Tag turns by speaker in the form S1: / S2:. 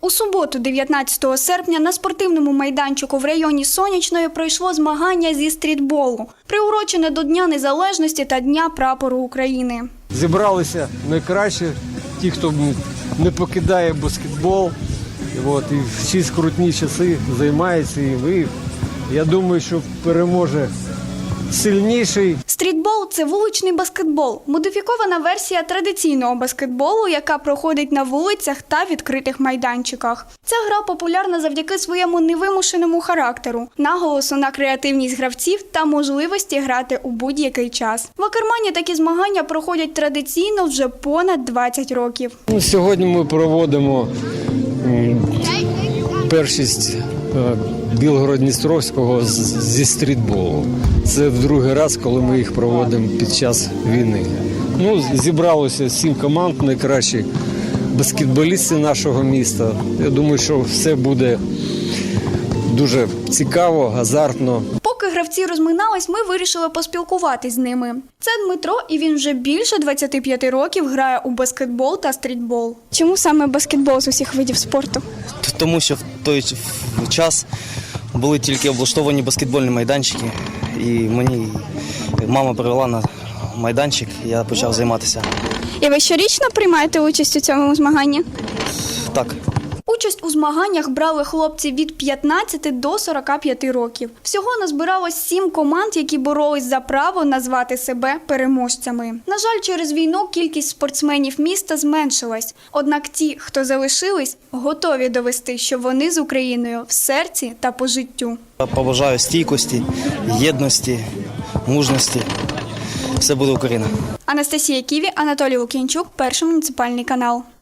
S1: У суботу, 19 серпня, на спортивному майданчику в районі Сонячної пройшло змагання зі стрітболу, приурочене до Дня Незалежності та Дня Прапору України.
S2: Зібралися найкраще, ті, хто не покидає баскетбол, і всі скрутні часи займаються. І я думаю, що переможе сильніший.
S1: Стрітбол – це вуличний баскетбол, модифікована версія традиційного баскетболу, яка проходить на вулицях та відкритих майданчиках. Ця гра популярна завдяки своєму невимушеному характеру, наголосу на креативність гравців та можливості грати у будь-який час. В Акермані такі змагання проходять традиційно вже понад 20 років.
S2: Сьогодні ми проводимо першість Білгород-Дністровського зі стрітболу. Це в другий раз, коли ми їх проводимо під час війни. Зібралося 7 команд, найкращі баскетболісти нашого міста. Я думаю, що все буде дуже цікаво, азартно.
S1: Поки гравці розминались, ми вирішили поспілкуватись з ними. Це Дмитро, і він вже більше 25 років грає у баскетбол та стрітбол. Чому саме баскетбол з усіх видів спорту?
S3: Тому що в той час були тільки облаштовані баскетбольні майданчики, і мені мама привела на майданчик, і я почав займатися.
S1: І ви щорічно приймаєте участь у цьому змаганні?
S3: Так.
S1: Участь у змаганнях брали хлопці від 15 до 45 років. Всього назбиралось 7 команд, які боролись за право назвати себе переможцями. На жаль, через війну кількість спортсменів міста зменшилась. Однак ті, хто залишились, готові довести, що вони з Україною в серці та по життю.
S3: Я побажаю стійкості, єдності, мужності. Все буде Україна.
S1: Анастасія Ківі, Анатолій Лук'янчук, Перший муніципальний канал.